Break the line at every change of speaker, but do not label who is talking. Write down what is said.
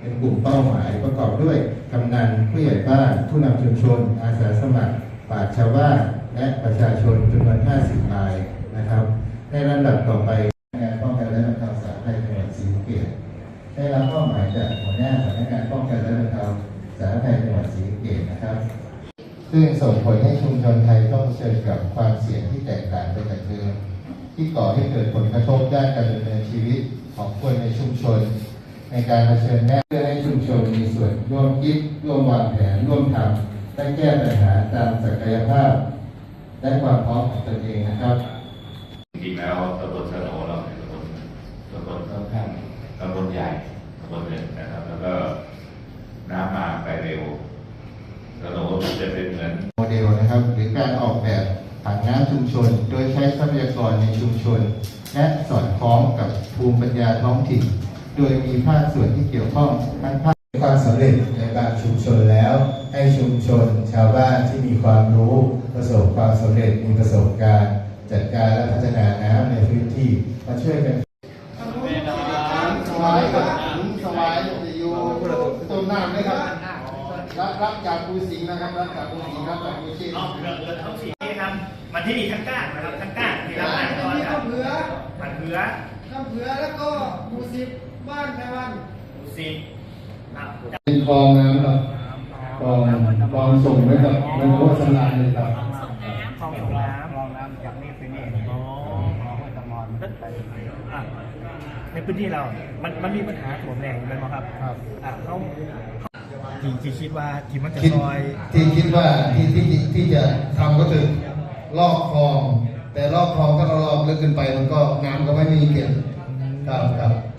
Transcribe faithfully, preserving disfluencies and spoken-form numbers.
เป็นกลุ่มเป้าหมายประกอบด้วยกำนันผู้ใหญ่บ้านผู้นำชุมชนอาสาสมัครปราชญ์ชาวบ้านและประชาชนจำนวนห้าสิบรายนะครับในลำดับต่อไปงานป้องกันและบรรเทาสาธารณภัยจังหวัดศรีสะเกษได้รับมอบหมายจากหัวหน้าสำนักงานป้องกันและบรรเทาสาธารณภัยจังหวัดศรีสะเกษนะครับซึ่งส่งผลให้ชุมชนไทยต้องเผชิญกับความเสี่ยงที่แตกต่างไปจากเดิมที่ก่อให้เกิดผลกระทบด้านการดำเนินชีวิตของคนในชุมชนในการเผชิญหน้าเพื่อให้ชุมชนมีส่วนร่วมคิดร่วมวางแผนร่วมทำและแก้ปัญหาตามศักยภาพและความพร้อมของตนเองนะครับ
จริงๆแล้วตำบลสโนเราเป็นตำบลตำบลค่อนข้างตำบลใหญ่ตำบลหนึ่งนะครับแล้วก็น้ำมาไปเร็วสโนจะเป็นเหมือน
โมเดลนะครับหรือการออกแบบผังน้ำชุมชนโดยใช้ทรัพยากรในชุมชนและสอดคล้องกับภูมิปัญญาท้องถิ่นโดยมีภาคส่วนที่เกี่ยวข้องทั้งภาคความสำเร็จในบางชุมชนแล้วให้ชุมชนชาวบ้านที่มีความรู้ประสบความสำเร็จมีประสบการณ์จัดการและพัฒนาน้ำในพื้นที่มาช่วยกัน
สวายครับสวายอยู่ต้นน้ำเลยครับรับรับจากภูสิงห์นะครับรับจากภูสิงห์รับจากภูสิงห์
อ๋อเรือเรือท้องสีนะครับมันที่นี่ทั้งก้านนะครับทั้งก้านที่เราอ่านก่อนครับ
ข้ามเผือ
มันเผือ
ข้ามเผือแล้วก็ภูสิบบ้านแม่วัน
ภูสิบ
เป็นคลองน้ำครับคลองคลองส่งไว้กับในวัดสลายเลยครับ
คลองส่งน้ำคลองน้ำจากนี่ไปนี่อ๋อคลองห้วยตะมอนในพื้นที่เรา มันมันมีปัญหาถ่วงแรงอยู่ไหมครับครับอ่ะเขาที่ที่คิดว่าที่มันจะซอย
ที่คิดว่าที่ที่ที่จะทำก็คือลอกคลองแต่ลอกคลองถ้าเราลอกลึกขึ้นไปมันก็น้ำก็ไม่มีเก็บครับครับ